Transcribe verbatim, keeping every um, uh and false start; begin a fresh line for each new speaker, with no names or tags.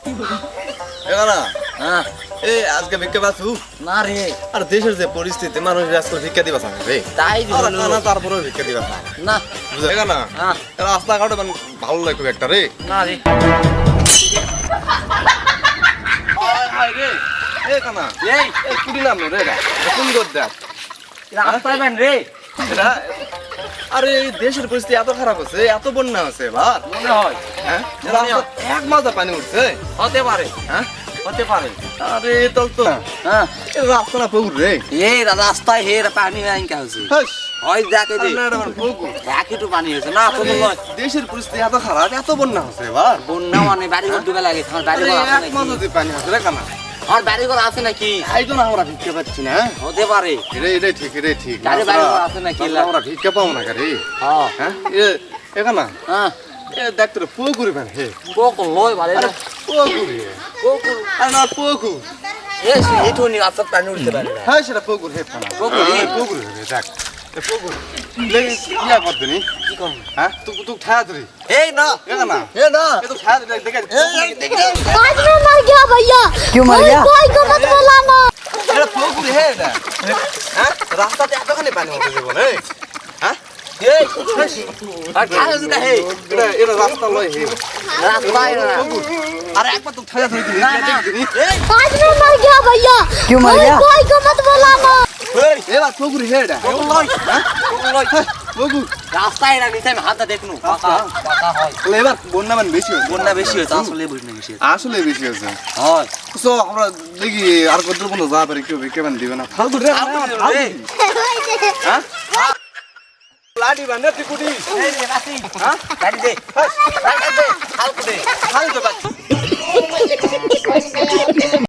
এখানা
হ্যাঁ
এই আজকে ভিক্ষা পাচ্ছু
না রে
আর দেশের যে পরিস্থিতি মানুষ আজকে ভিক্ষা দিবা চায় রে
তাই
আর
দিল
কানা তারপরেও ভিক্ষা দিবা চায়
না
বুঝলে এখানা
হ্যাঁ
রাস্তাঘাটে মানে ভালো লাগে খুব একটা রে
না রে
এখানা
এই
এই কুড়ি নাম রে এটা কোন গদ দেখ
রাস্তায় বেন রে
এটা আরে এই দেশের পরিস্থিতি এত খারাপ হচ্ছে এত বন্যা আছে এবার
মনে হয়
হ্যাঁ
মনে হয়।
রাস্তা এক মাজা পানি উঠছে
হতে পারে
হ্যাঁ
হতে পারে
আরে তল তো
হ্যাঁ
এই রাস্তা না পুকুর রে
এই রাস্তায় হে পানি আইন কা হচ্ছে
হাস
হয় দেখে দে
না, এটা আমার পুকুর।
এক একটু পানি হয়েছে না তো
আরে,
নয়
দেশের পরিস্থিতি এত খারাপ এত বন্যা হচ্ছে এবার
বন্যা মানে বাড়ি ঘর ডুবে লাগে আমার বাড়ি
আরে,
ঘর আছে
এক
নাকি
মাজা দিয়ে পানি হচ্ছে রে কানা
আমার বাড়ি ঘর আছে নাকি
তাই তো না আমরা ভিক্ষা পাচ্ছি না
হতে পারে
রে রে ঠিক রে ঠিক
গাড়ি বাড়ি ঘর আছে নাকি
তাহলে আমরা ভিক্ষা পাবো না রে
হ্যাঁ
হ্যাঁ এ এখানা
হ্যাঁ
এ দেখতে রে পুকুর বেন হে
কোকো লয় ভালো
আরে
না
পুকুর হে
কোকো
আরে না পুকুর
এ সে এটো নি রাস্তা পানি উঠতে পারে না
হ্যাঁ সেটা পুকুর হে কানা
পুকুর,
হ্যাঁ, পুকুর হে দেখ এ পুকুর লেগে ইয়া করতে নি
কি করব
হ্যাঁ তুই তুই ঠায়া ধরি
এই না
এখানা
এ না
এ তো ঠায়া ধরি দেখে
आज मैं मर गया भैया
क्यों मर गया?
कोई को मत बुलाना
এটা পুকুর হে এটা হ্যাঁ রাস্তাতে এতখানি পানি হতে দেব না হ্যাঁ
এই আর খাওয়া যেটা হে
এটা এটা রাস্তা লয় হে
রাস্তায় না
পুকুর আরে একবার তো ঠায়া ধরি দিবি
না, না।
দিবি
এই
आज मैं मर गया भैया
क्यों मर गया?
कोई को मत बुलाना
এই
এবার পুকুর হে এটা
কোকো লয় কোকো লয়
পুকুর
রাস্তায় না নিচে আমি হাতটা দেখনু পাকা পাকা হয়
তাহলে এবার বন্যা মানে বেশি হচ্ছে
বন্যা বেশি হয়েছে আসলে বন্যা বেশি হয়েছে
আসলে বেশি হচ্ছে
হয়
তো আমরা দেখি আর কত বন্ধু যা পারে কেউ কেমন দিবে না ফালতু রে
এই
হ্যাঁ লাডি বান্ধে টিকুটি
এই রাতি হ্যাঁ গাড়ি দে গাড়ি দে হালকা দে
ফালতু বাচ্চা